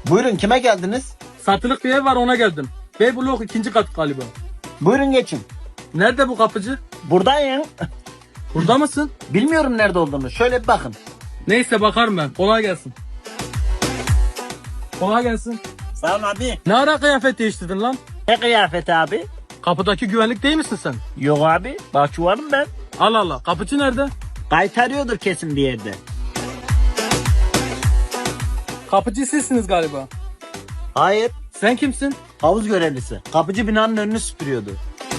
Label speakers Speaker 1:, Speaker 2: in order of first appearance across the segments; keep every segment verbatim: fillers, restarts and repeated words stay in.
Speaker 1: Buyurun, kime geldiniz?
Speaker 2: Satılık bir ev var, ona geldim. B blok ikinci kat galiba.
Speaker 1: Buyurun geçin.
Speaker 2: Nerede bu kapıcı?
Speaker 1: Buradayım.
Speaker 2: Burada mısın?
Speaker 1: Bilmiyorum nerede olduğunu. Şöyle bir bakın.
Speaker 2: Neyse bakarım ben. Kolay gelsin. Kolay gelsin.
Speaker 1: Sağ ol abi.
Speaker 2: Ne ara kıyafet değiştirdin lan?
Speaker 1: Ne kıyafeti abi?
Speaker 2: Kapıdaki güvenlik değil misin sen?
Speaker 1: Yok abi. Bahçıvanım ben.
Speaker 2: Allah Allah. Kapıcı nerede?
Speaker 1: Kaytarıyordur kesin bir yerde.
Speaker 2: Kapıcı sizsiniz galiba.
Speaker 1: Hayır.
Speaker 2: Sen kimsin?
Speaker 1: Havuz görevlisi. Kapıcı binanın önünü süpürüyordu.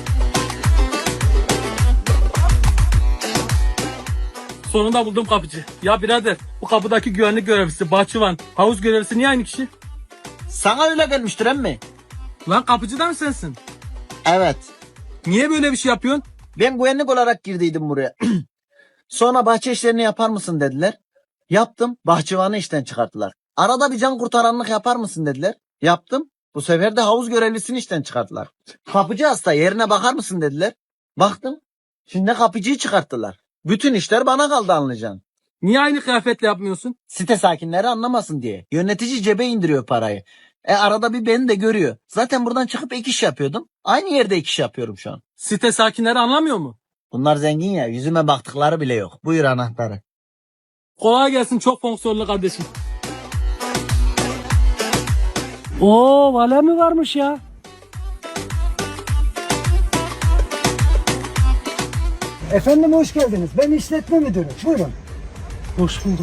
Speaker 2: Sonunda buldum kapıcı. Ya birader, bu kapıdaki güvenlik görevlisi, bahçıvan, havuz görevlisi niye aynı kişi?
Speaker 1: Sana öyle gelmiştir emmi.
Speaker 2: Lan kapıcı da mı sensin?
Speaker 1: Evet.
Speaker 2: Niye böyle bir şey yapıyorsun?
Speaker 1: Ben güvenlik olarak girdiydim buraya. Sonra bahçe işlerini yapar mısın dediler. Yaptım. Bahçıvanı işten çıkarttılar. Arada bir can kurtaranlık yapar mısın dediler. Yaptım. Bu sefer de havuz görevlisini işten çıkarttılar. Kapıcı hasta, yerine bakar mısın dediler. Baktım. Şimdi kapıcıyı çıkarttılar. Bütün işler bana kaldı, anlayacaksın.
Speaker 2: Niye aynı kıyafetle yapmıyorsun?
Speaker 1: Site sakinleri anlamasın diye. Yönetici cebe indiriyor parayı. E arada bir beni de görüyor. Zaten buradan çıkıp ek iş yapıyordum. Aynı yerde ek iş yapıyorum şu an.
Speaker 2: Site sakinleri anlamıyor mu?
Speaker 1: Bunlar zengin ya, yüzüme baktıkları bile yok. Buyur anahtarı.
Speaker 2: Kolay gelsin, çok fonksiyonlu kardeşim.
Speaker 3: Oo, vale mi varmış ya?
Speaker 4: Efendim hoş geldiniz. Ben işletme müdürü. Buyurun.
Speaker 3: Hoş bulduk.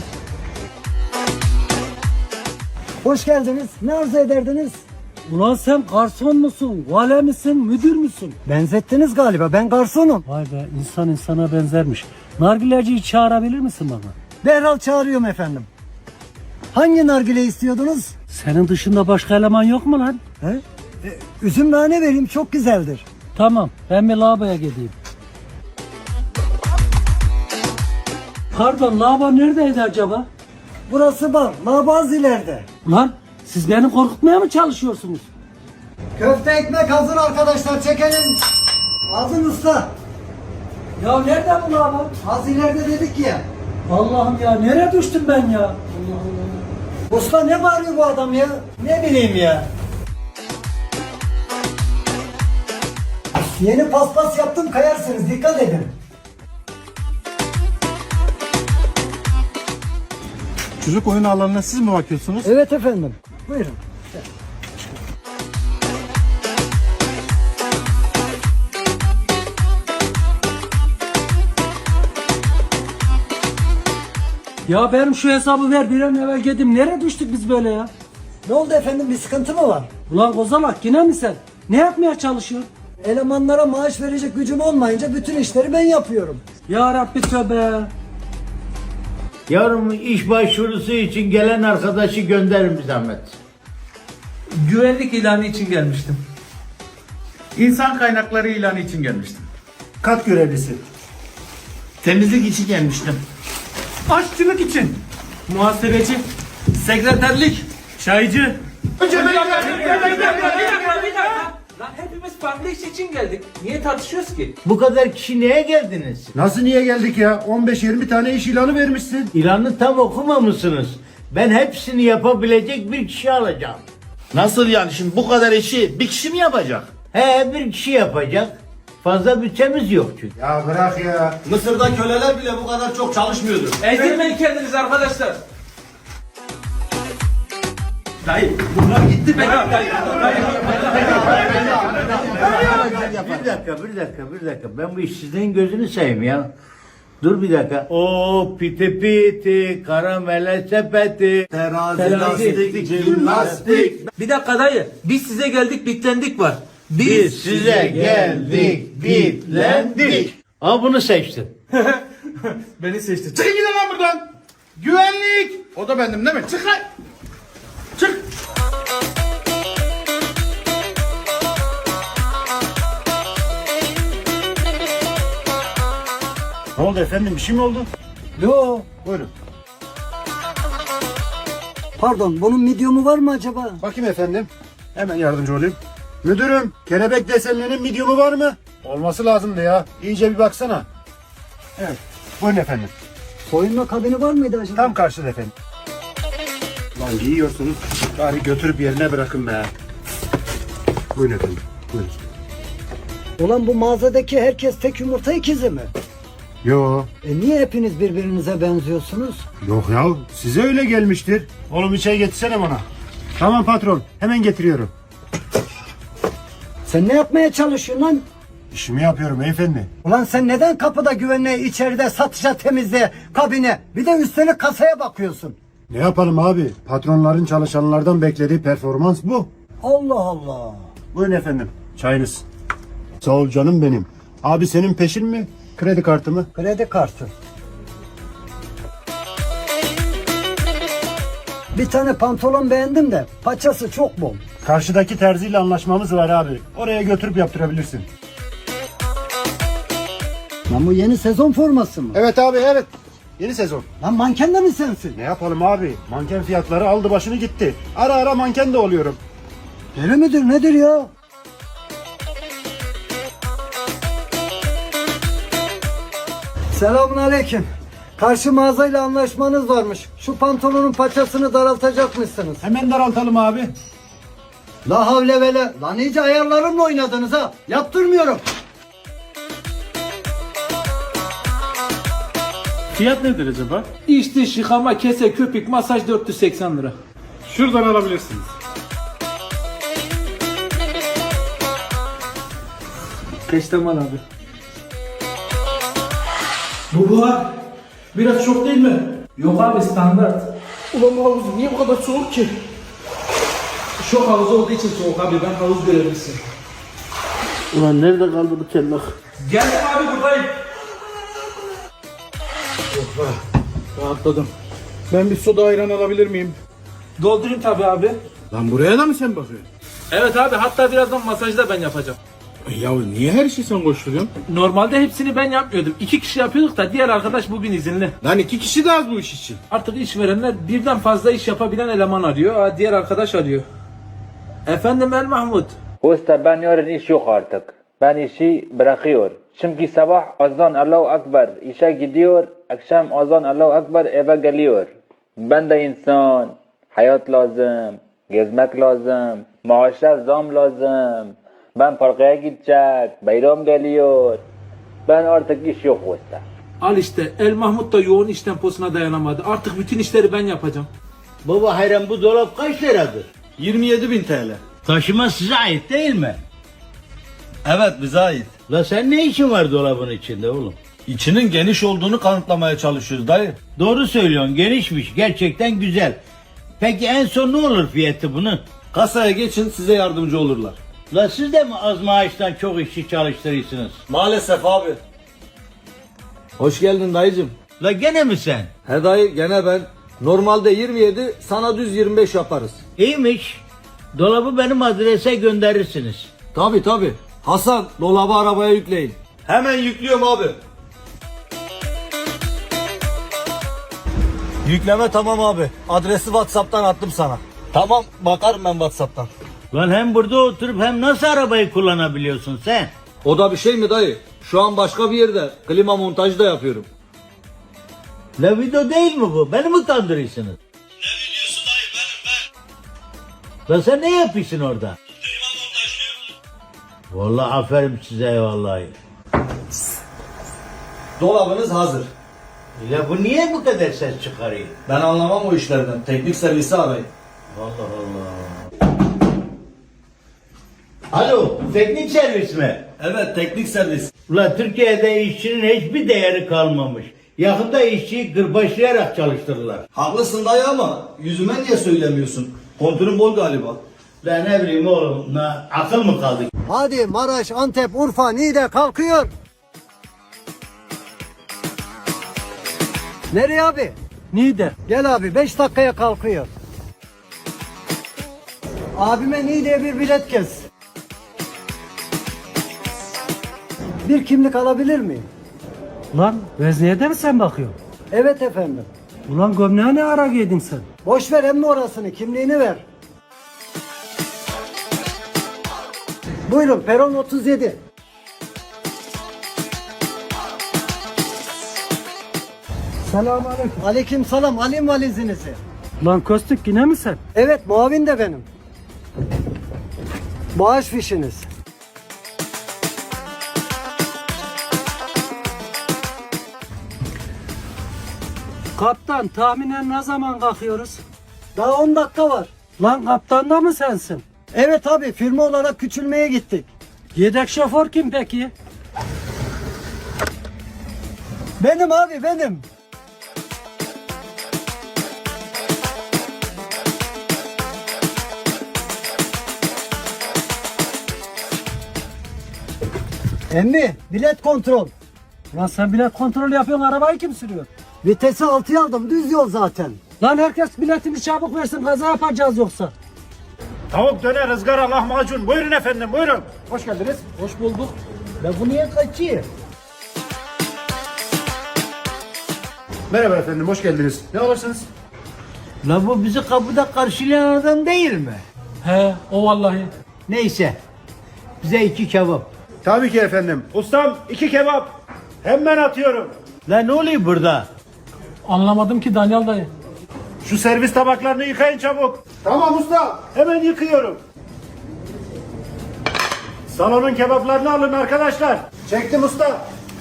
Speaker 4: Hoş geldiniz. Ne arzu ederdiniz?
Speaker 3: Ulan sen garson musun, vale misin, müdür müsün?
Speaker 4: Benzettiniz galiba. Ben garsonum.
Speaker 3: Vay be, insan insana benzermiş. Nargileciyi çağırabilir misin bana?
Speaker 4: Derhal çağırıyorum efendim. Hangi nargile istiyordunuz?
Speaker 3: Senin dışında başka eleman yok mu lan?
Speaker 4: He? E, üzüm nane vereyim, çok güzeldir.
Speaker 3: Tamam, ben bir lavaboya gideyim. Pardon, lavabo neredeydi acaba?
Speaker 4: Burası bar. Labaz ileride.
Speaker 3: Ulan siz beni korkutmaya mı çalışıyorsunuz?
Speaker 4: Köfte ekmek hazır arkadaşlar. Çekelim. Aldın usta.
Speaker 3: Ya nerede bu lavabo?
Speaker 4: Az ileride dedik ya.
Speaker 3: Allah'ım ya, nereye düştüm ben ya?
Speaker 4: Usta ne bağırıyor bu adam ya? Ne bileyim ya. Yeni paspas yaptım, kayarsınız. Dikkat edin.
Speaker 5: Çocuk oyun alanına siz mi bakıyorsunuz?
Speaker 4: Evet efendim. Buyurun.
Speaker 3: Ya benim şu hesabı ver, bir an evvel gideyim. Nereye düştük biz böyle ya?
Speaker 4: Ne oldu efendim? Bir sıkıntı mı var?
Speaker 3: Ulan Kozalak, yine mi sen? Ne yapmaya çalışıyorsun?
Speaker 4: Elemanlara maaş verecek gücüm olmayınca bütün işleri ben yapıyorum.
Speaker 3: Ya Rabbi tövbe.
Speaker 6: Yarın iş başvurusu için gelen arkadaşı gönderin bir zahmet.
Speaker 2: Güvenlik ilanı için gelmiştim.
Speaker 5: İnsan kaynakları ilanı için gelmiştim.
Speaker 4: Kat görevlisi.
Speaker 6: Temizlik için gelmiştim.
Speaker 5: Aşçılık için.
Speaker 2: Muhasebeci, sekreterlik,
Speaker 5: Çaycı.
Speaker 2: Lan hepimiz farklı iş için geldik. Niye tartışıyoruz ki?
Speaker 6: Bu kadar kişi neye geldiniz?
Speaker 5: Nasıl niye geldik ya? on beş yirmi tane iş ilanı vermişsin.
Speaker 6: İlanı tam okumamışsınız. Ben hepsini yapabilecek bir kişi alacağım.
Speaker 7: Nasıl yani, şimdi bu kadar işi bir kişi mi yapacak?
Speaker 6: He, bir kişi yapacak. Fazla bütçemiz yok çünkü.
Speaker 5: Ya bırak ya.
Speaker 7: Mısır'da köleler bile bu kadar çok çalışmıyordu.
Speaker 2: Ezdirmeyin kendinizi arkadaşlar.
Speaker 7: Dayı bunlar gitti be.
Speaker 6: Bir dakika, bir dakika, bir dakika. Ben bu işsizliğin gözünü seveyim ya. Dur bir dakika. O piti piti, karamele sepeti,
Speaker 7: Terazi,
Speaker 2: Terazi,
Speaker 7: lastik, jimnastik.
Speaker 2: Bir dakika dayı. Biz size geldik, bitlendik var.
Speaker 6: biz size geldik, bitlendik. Aa, bunu seçtim.
Speaker 2: Beni seçti.
Speaker 5: Çıkın gidin lan buradan. Güvenlik. O da bendim değil mi? Çık lan. Çık. Ne oldu efendim? Bir şey mi oldu?
Speaker 4: Yo.
Speaker 5: Buyurun.
Speaker 4: Pardon, bunun medium'u var mı acaba?
Speaker 5: Bakayım efendim. Hemen yardımcı olayım. Müdürüm, kelebek desenlerinin medium'u var mı? Olması lazımdı ya. İyice bir baksana. Evet. Buyurun efendim.
Speaker 4: Soyunma kabini var mıydı acaba?
Speaker 5: Tam karşıda efendim. Lan giyiyorsunuz. Bari götürüp yerine bırakın be. Buyurun efendim. Buyurun.
Speaker 4: Ulan bu mağazadaki herkes tek yumurta ikizi mi?
Speaker 5: Yo.
Speaker 4: E niye hepiniz birbirinize benziyorsunuz?
Speaker 5: Yok ya. Size öyle gelmiştir. Oğlum bir çay getirsene bana. Tamam patron. Hemen getiriyorum.
Speaker 4: Sen ne yapmaya çalışıyorsun lan?
Speaker 5: İşimi yapıyorum beyefendi.
Speaker 4: Ulan sen neden kapıda güvenliğe, içeride satışa, temizliğe, kabine, bir de üstelik kasaya bakıyorsun?
Speaker 5: Ne yapalım abi? Patronların çalışanlardan beklediği performans bu.
Speaker 4: Allah Allah.
Speaker 5: Buyurun efendim. Çayınız. Sağ ol canım benim. Abi senin peşin mi? Kredi kartı mı?
Speaker 4: Kredi kartı. Bir tane pantolon beğendim de paçası çok bol.
Speaker 5: Karşıdaki terziyle anlaşmamız var abi. Oraya götürüp yaptırabilirsin.
Speaker 4: Lan bu yeni sezon forması mı?
Speaker 5: Evet abi evet. Yeni sezon.
Speaker 4: Lan manken de mi sensin?
Speaker 5: Ne yapalım abi? Manken fiyatları aldı başını gitti. Ara ara manken de oluyorum.
Speaker 4: Deli midir nedir ya? Selamun aleyküm. Karşı mağazayla anlaşmanız varmış. Şu pantolonun paçasını daraltacakmışsınız.
Speaker 5: Hemen daraltalım abi.
Speaker 4: La havle vele. Lan iyice ayarlarımla oynadınız ha. Yaptırmıyorum.
Speaker 2: Fiyat nedir acaba? İç dış yıkama, kese, köpük, masaj dört yüz seksen lira.
Speaker 5: Şuradan alabilirsiniz.
Speaker 2: Peştemal abi. Bu buhar biraz çok değil mi? Yok abi standart. Ulan bu havuz niye bu kadar soğuk ki? Şok havuzu olduğu için soğuk abi, ben havuz görevlisiyim.
Speaker 7: Ulan nerede kaldı bu tellak?
Speaker 2: Geldim abi, buradayım. Rahatladım.
Speaker 7: Ben bir soda ayran alabilir miyim?
Speaker 2: Doldurayım tabi abi.
Speaker 7: Lan buraya da mı sen bakıyorsun?
Speaker 2: Evet abi, hatta birazdan masajı da ben yapacağım.
Speaker 7: Ya niye her şeyi sen koşturuyorsun?
Speaker 2: Normalde hepsini ben yapmıyordum. İki kişi yapıyorduk da diğer arkadaş bugün izinli.
Speaker 7: Lan iki kişi de az bu iş için.
Speaker 2: Artık işverenler birden fazla iş yapabilen eleman arıyor. Aa, diğer arkadaş arıyor. Efendim El Mahmut.
Speaker 8: Usta ben yarın iş yok artık. Ben işi bırakıyor. Çünkü sabah azan Allahu Ekber işe gidiyor. Akşam azan Allahu Ekber eve geliyor. Ben de insan. Hayat lazım. Gezmek lazım. Maaşlar zam lazım. Ben parkaya gidecek. Bayram geliyor. Ben artık iş yok usta.
Speaker 2: Al işte, El Mahmut da yoğun iş temposuna dayanamadı. Artık bütün işleri ben yapacağım.
Speaker 6: Baba hayran bu dolap kaç liradır?
Speaker 7: yirmi yedi bin T L.
Speaker 6: Taşıma size ait değil mi?
Speaker 7: Evet bize ait.
Speaker 6: La sen ne işin var dolabın içinde oğlum?
Speaker 7: İçinin geniş olduğunu kanıtlamaya çalışıyoruz dayı.
Speaker 6: Doğru söylüyorsun, genişmiş, gerçekten güzel. Peki en son ne olur fiyatı bunun?
Speaker 7: Kasaya geçin size yardımcı olurlar.
Speaker 6: La siz de mi az maaştan çok işçi çalıştırıyorsunuz?
Speaker 7: Maalesef abi. Hoş geldin dayıcım.
Speaker 6: La gene mi sen?
Speaker 9: He dayı gene ben. Normalde yirmi yedi, sana düz yirmi beş yaparız.
Speaker 6: İyiymiş. Dolabı benim adrese gönderirsiniz.
Speaker 9: Tabi tabi. Hasan dolabı arabaya yükleyin.
Speaker 7: Hemen yüklüyorum abi.
Speaker 9: Yükleme tamam abi. Adresi WhatsApp'tan attım sana. Tamam bakarım ben WhatsApp'tan.
Speaker 6: Lan hem burada oturup hem nasıl arabayı kullanabiliyorsun sen?
Speaker 9: O da bir şey mi dayı? Şu an başka bir yerde klima montajı da yapıyorum.
Speaker 6: La video değil mi bu? Beni mi kandırıyorsunuz?
Speaker 7: Ne biliyorsun dayı benim ben.
Speaker 6: La sen ne yapıyorsun orada?
Speaker 7: Klima montajlıyorum.
Speaker 6: Vallahi aferin size vallahi.
Speaker 9: Dolabınız hazır.
Speaker 6: La bu niye bu kadar ses çıkarıyor?
Speaker 9: Ben anlamam o işlerden. Teknik servisi arayın.
Speaker 6: Allah Allah. Alo, teknik servis mi?
Speaker 9: Evet teknik servis.
Speaker 6: Ulan Türkiye'de işçinin hiçbir değeri kalmamış. Yakında işçiyi kırbaçlayarak çalıştırırlar.
Speaker 9: Haklısın dayı ama yüzüme niye söylemiyorsun? Kontürün bol galiba.
Speaker 6: Lan ne bileyim oğlum, na, akıl mı kaldı?
Speaker 4: Hadi Maraş, Antep, Urfa, Niğde kalkıyor. Nereye abi?
Speaker 3: Niğde.
Speaker 4: Gel abi beş dakikaya kalkıyor. Abime Niğde'ye bir bilet kes. Bir kimlik alabilir miyim?
Speaker 3: Lan vezniye de mi sen bakıyorsun?
Speaker 4: Evet efendim.
Speaker 3: Ulan gömleğe ne ara giydin sen?
Speaker 4: Boş ver emmi orasını, kimliğini ver. Buyurun peron otuz yedi. Selamünaleyküm. Aleyküm selam. Alayım valizinizi.
Speaker 3: Lan Kostik yine mi sen?
Speaker 4: Evet, muavin de benim. Bağış fişiniz.
Speaker 3: Kaptan tahminen ne zaman kalkıyoruz?
Speaker 4: Daha on dakika var.
Speaker 3: Lan kaptan da mı sensin?
Speaker 4: Evet abi, firma olarak küçülmeye gittik.
Speaker 3: Yedek şoför kim peki?
Speaker 4: Benim abi, benim. Emmi, bilet kontrol.
Speaker 3: Lan sen bilet kontrol yapıyorsun, arabayı kim sürüyor?
Speaker 4: Vitesi altıya aldım, düz yol zaten.
Speaker 3: Lan herkes biletini çabuk versin, kaza yapacağız yoksa.
Speaker 5: Tavuk döner, ızgara, lahmacun. Buyurun efendim, buyurun. Hoş geldiniz.
Speaker 3: Hoş bulduk.
Speaker 4: Ben bu niye kaçayım?
Speaker 5: Merhaba efendim, hoş geldiniz. Ne alırsınız?
Speaker 6: La bu bizi kapıda karşılayan adam değil mi?
Speaker 3: He, o vallahi.
Speaker 6: Neyse. Bize iki kebap.
Speaker 5: Tabii ki efendim. Ustam, iki kebap. Hemen atıyorum.
Speaker 6: La ne oluyor burada?
Speaker 3: Anlamadım ki Daniel dayı.
Speaker 5: Şu servis tabaklarını yıkayın çabuk. Tamam usta. Hemen yıkıyorum. Salonun kebaplarını alın arkadaşlar. Çektim usta.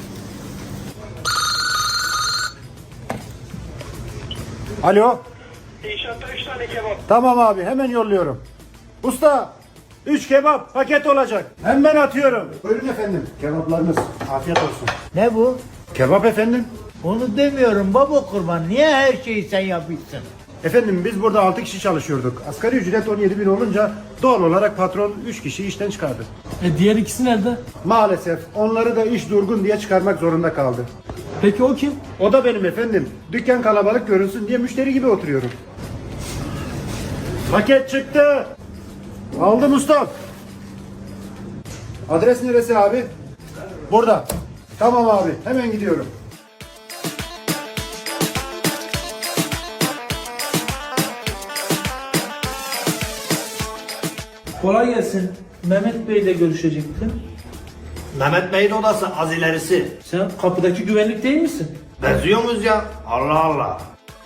Speaker 5: Alo.
Speaker 10: İnşaatta üç tane kebap.
Speaker 5: Tamam abi, hemen yolluyorum. Usta, üç kebap paket olacak. Hemen atıyorum. Buyurun efendim. Kebaplarınız. Afiyet olsun.
Speaker 6: Ne bu?
Speaker 5: Kebap efendim.
Speaker 6: Onu demiyorum baba kurban. Niye her şeyi sen yapıyorsun?
Speaker 5: Efendim biz burada altı kişi çalışıyorduk. Asgari ücret on yedi bin olunca doğal olarak patron üç kişiyi işten çıkardı.
Speaker 3: E diğer ikisi nerede?
Speaker 5: Maalesef onları da iş durgun diye çıkarmak zorunda kaldı.
Speaker 3: Peki o kim?
Speaker 5: O da benim efendim. Dükkan kalabalık görünsün diye müşteri gibi oturuyorum. Paket çıktı. Aldım usta. Adres neresi abi? Burada. Tamam abi, hemen gidiyorum.
Speaker 2: Kolay gelsin. Mehmet Bey ile görüşecektim.
Speaker 7: Mehmet Bey'in odası az ilerisi.
Speaker 2: Sen kapıdaki güvenlik değil misin?
Speaker 7: Benziyor muyuz ya? Allah Allah.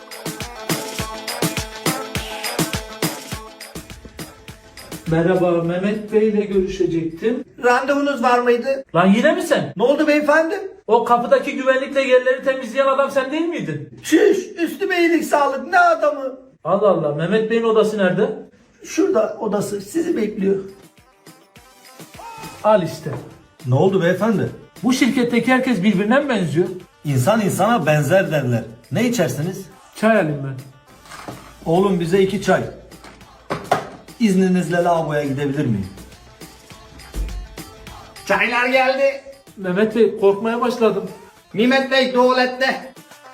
Speaker 2: Merhaba, Mehmet Bey ile görüşecektim.
Speaker 7: Randevunuz var mıydı?
Speaker 2: Lan yine mi sen?
Speaker 7: Ne oldu beyefendi?
Speaker 2: O kapıdaki güvenlikle yerleri temizleyen adam sen değil miydin?
Speaker 7: Şiş, üstüme iyilik sağlık, ne adamı?
Speaker 2: Allah Allah, Mehmet Bey'in odası nerede?
Speaker 7: Şurada odası, sizi bekliyor.
Speaker 2: Al işte.
Speaker 9: Ne oldu beyefendi?
Speaker 2: Bu şirketteki herkes birbirine mi benziyor?
Speaker 9: İnsan insana benzer derler. Ne içersiniz?
Speaker 2: Çay alayım ben.
Speaker 9: Oğlum bize iki çay. İzninizle lavaboya gidebilir miyim?
Speaker 7: Çaylar geldi.
Speaker 2: Mehmet Bey, korkmaya başladım.
Speaker 7: Mehmet Bey tuvalette.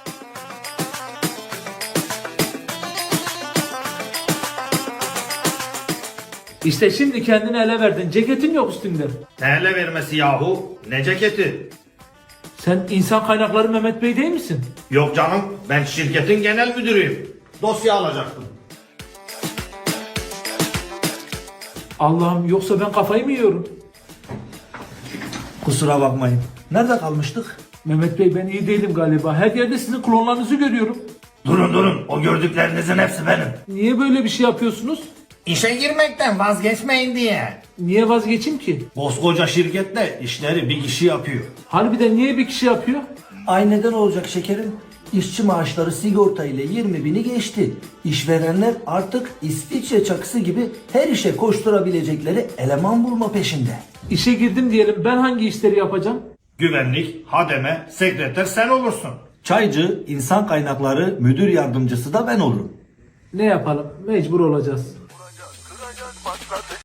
Speaker 2: İşte şimdi kendini ele verdin. Ceketin yok üstünde.
Speaker 7: Ne ele vermesi yahu? Ne ceketi?
Speaker 2: Sen insan kaynakları Mehmet Bey değil misin?
Speaker 7: Yok canım, ben şirketin genel müdürüyüm. Dosya alacaktım.
Speaker 2: Allah'ım, yoksa ben kafayı mı yiyorum?
Speaker 9: Kusura bakmayın. Nerede kalmıştık?
Speaker 2: Mehmet Bey, ben iyi değilim galiba. Her yerde sizin klonlarınızı görüyorum.
Speaker 7: Durun durun, o gördüklerinizin hepsi benim.
Speaker 2: Niye böyle bir şey yapıyorsunuz?
Speaker 7: İşe girmekten vazgeçmeyin diye.
Speaker 2: Niye vazgeçeyim ki?
Speaker 9: Koskoca şirkette işleri bir kişi yapıyor.
Speaker 2: Harbiden niye bir kişi yapıyor?
Speaker 11: Ay neden olacak şekerim? İşçi maaşları sigorta ile yirmi bini geçti. İşverenler artık İsviçre çakısı gibi her işe koşturabilecekleri eleman bulma peşinde.
Speaker 2: İşe girdim diyelim, ben hangi işleri yapacağım?
Speaker 7: Güvenlik, hademe, sekreter sen olursun.
Speaker 9: Çaycı, insan kaynakları müdür yardımcısı da ben olurum.
Speaker 2: Ne yapalım? Mecbur olacağız.